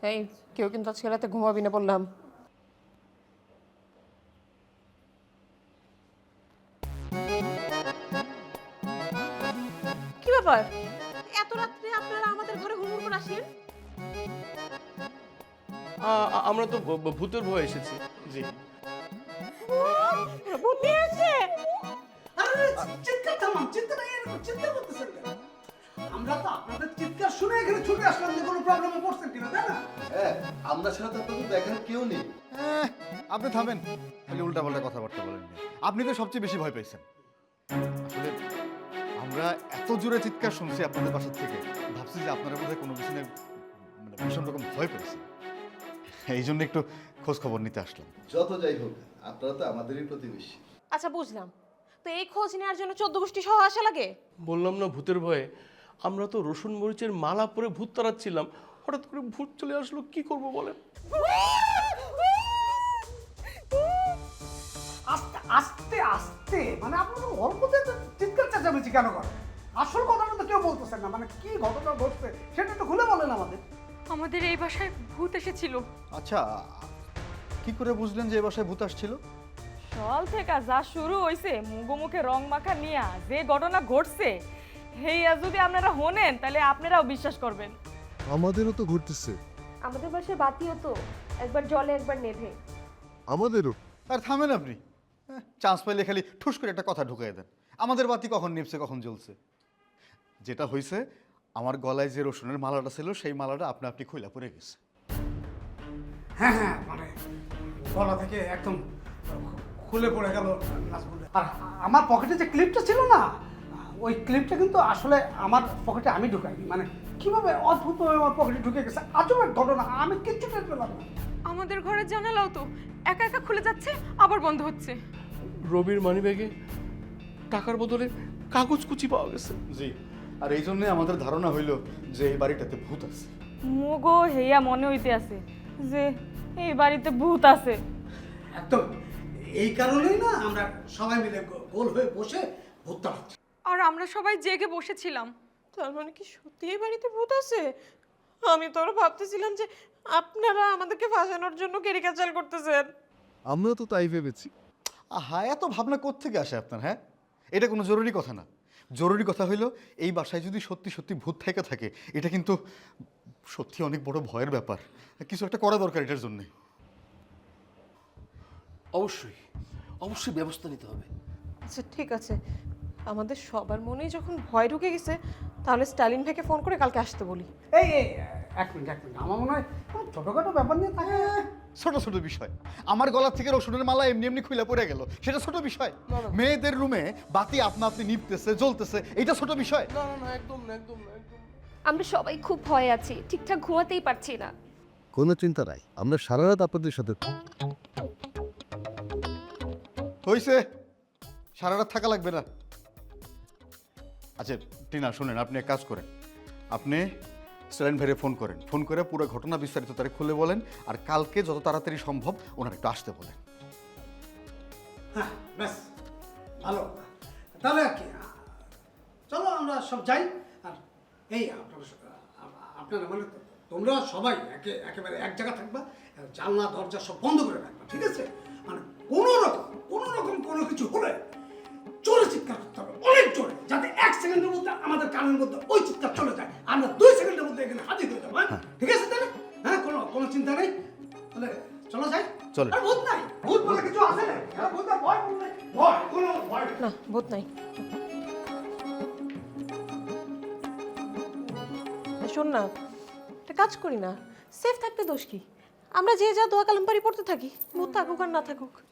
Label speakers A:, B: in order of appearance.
A: এই কেউ কিন্তু আজকে রাতে ঘুমাবি না বললাম। কি ব্যাপার, এত রাত্রে আপনারা আমাদের ঘরে হুড় করে আসেন?
B: আমরা তো ভূতের ভয় এসেছি। জি।
A: ভূত নিয়ে আসছে?
C: আরে চিৎকার থামান, চিন্তা নাই, এরকম চিন্তা করতেছেন কেন? আমরা তো আপনাদের চিৎকার শুনে এখানে ছুটে আসলাম যে কোনো প্রবলেমে পড়ছেন কিনা, তাই না?
D: হ্যাঁ, আমরা ছাড়া তো আপনাদের দেখার কেউ নেই।
E: আপনি থামেন, খালি উল্টাপাল্টা কথাবার্তা বলেন না। আপনি তো সবচেয়ে বেশি ভয় পেয়েছেন। আসলে আমরা এত জোরে চিৎকার শুনছি আপনাদের বাসা থেকে, ভাবছি যে আপনারা বোধহয় কোনো কিছু নিয়ে মানে ভীষণ রকম ভয় পেয়েছেন। এই জন্য একটু খোঁজ খবর নিতে আসলাম।
D: যত যাই হোক, আপনারা তো আমাদেরই প্রতিবেশী।
A: আচ্ছা বুঝলাম, তো এই খোঁজ নেওয়ার জন্য 14 গোষ্ঠী সহ আসা লাগে?
B: বললাম না ভূতের ভয়ে। আমরা তো রসুন মরিচের মালা পরে ভূত তাড়াচ্ছিলাম, হঠাৎ করে ভূত চলে আসলো, কি করব বলেন?
C: আস্তে আস্তে আস্তে মানে আপনারা অল্পতে চিৎকার চেঁচামেচি কেন করেন? আসল ঘটনা তো কেউ বলতেছেন না, মানে কি ঘটনা ঘটছে সেটা তো খুলে বলেন আমাদের।
F: আমাদের এই বাসায় ভূত এসেছিল।
E: আচ্ছা, কি করে বুঝলেন যে এ বাসায় ভূত আসছিল?
F: সকাল থেকে যা শুরু হইছে মুখে রং মাখা নিয়া যে ঘটনা ঘটছে, হেইয়া যদি আপনারা শোনেন তাহলে আপনারাও বিশ্বাস করবেন।
G: আমাদেরও তো ঘুরতেছে।
H: আমাদের বাসায় বাতিও তো একবার জ্বলে একবার নেভে।
G: আমাদেরও।
E: আর থামেন আপনি, চান্স পাইলে খালি ঠুস করে একটা কথা ঢুকাই দেন। আমাদের বাতি কখন নিভছে কখন জ্বলছে? যেটা হয়েছে, আমার গলায় যে রসুনের মালাটা ছিল সেই মালাটা আপনা আপনি খুইলা পড়ে গেছে।
C: হ্যাঁ হ্যাঁ, মানে গলা থেকে একদম খুলে পড়ে গেল নাজমুল। আর আমার পকেটে যে ক্লিপটা ছিল না, ওই ক্লিপটা কিন্তু আসলে আমার পকেটে আমি ঢুকাইনি। মানে কিভাবে অদ্ভুতভাবে আমার পকেটে ঢুকে গেছে, আজব এক ঘটনা, আমি কিচ্ছু টের পেলাম না।
F: আমাদের ঘরের জানালাও তো একা একা খুলে যাচ্ছে আবার বন্ধ হচ্ছে।
B: রবির মানিব্যাগে টাকার বদলে কাগজ কুচি পাওয়া গেছে।
E: জি, আর এই জন্যে আমাদের ধারণা হইল যে এই বাড়িটাতে ভূত আছে।
F: মুগো হেইয়া মনে হইতে আছে যে এই বাড়িতে ভূত আছে।
C: একদম এই কারণেই না আমরা সবাই মিলে গোল হয়ে বসে ভূত তাড়াচ্ছি।
F: আর আমরা সবাই জেগে বসেছিলাম।
A: তার মানে কি সত্যি এই বাড়িতে ভূত আছে? আমি তো আরো ভাবতেছিলাম যে আপনারা আমাদেরকে ফাঁসানোর জন্য ক্যারিকেচার করতেছেন।
G: আমরাও তো তাই ভেবেছি।
E: হ্যাঁ, এত ভাবনা কোত্থেকে আসে আপনার? হ্যাঁ, এটা কোনো জরুরি কথা না। জরুরি কথা হইল এই বাসায় যদি সত্যি সত্যি ভূত থেকে থাকে, এটা কিন্তু সত্যি অনেক বড় ভয়ের ব্যাপার। কিছু একটা করা দরকার এটার জন্যে।
B: অবশ্যই অবশ্যই ব্যবস্থা নিতে হবে।
A: আচ্ছা ঠিক আছে, আমাদের সবার মনেই যখন ভয় ঢুকে গেছে তাহলে স্টালিন ভাইকে ফোন করে কালকে আসতে বলি।
C: এই এই এক মিনিট, আমার মনে হয় কোনো ছোটোখাটো ব্যাপার নিয়ে থাকে।
E: ছোট ছোট বিষয়। আমার গলা থেকে রসুনের মালা এমনি এমনি খুলে পড়ে গেল, সেটা ছোট বিষয়? মেয়েদের রুমে বাতি আপনা আপনি নিভতেছে জ্বলতেছে, এটা ছোট বিষয়?
B: না না না, একদম না, একদম না, একদম না।
H: আমরা সবাই খুব ভয়ে আছি, ঠিকঠাক ঘুমাতেই পারছি না।
G: কোনো চিন্তা নাই, আমরা সারা রাত আপনাদের সাথে।
E: হইছে, সারা রাত থাকা লাগবে না। আচ্ছা টিনা, শুনেন, আপনি এক কাজ করেন, আপনি স্টালিন ভাইরে ফোন করেন, ফোন করে পুরো ঘটনা বিস্তারিত তারে খুলে বলেন, আর কালকে যত তাড়াতাড়ি সম্ভব ওনার একটু আসতে বলেন।
C: হ্যাঁ ব্যাস, ভালো। তাহলে আর কি, চলো আমরা সব যাই। আর এই আপনারা মানে তোমরা সবাই একেবারে এক জায়গা থাকবা, জানলা দরজা সব বন্ধ করে রাখবা, ঠিক আছে? মানে কোনো রকম কোনো কিছু হলে জোরে চিৎকার করতে হবে, অনেক জোরে, যাতে 1 সেকেন্ডের মধ্যে আমাদের কানের মধ্যে ওই চিৎকার চলে যায়, আমরা 2 সেকেন্ডের মধ্যে এখানে হাজির হয়ে যাবো। হ্যাঁ ঠিক আছে তাহলে? হ্যাঁ, কোনো চিন্তা নেই, তাহলে চলো যাই।
E: চলো।
C: আর ভূত নাই, ভূত বলে কিছু আছে না, ভূত আর ভয় নেই, কোনো ভয় নেই।
A: না ভূত নাই। শোন না, একটা কাজ করি না, সেফ থাকতে দোষ কি? আমরা যে যা দোয়া কালাম পারি পড়তে থাকি, ভূত থাকুক আর না থাকুক।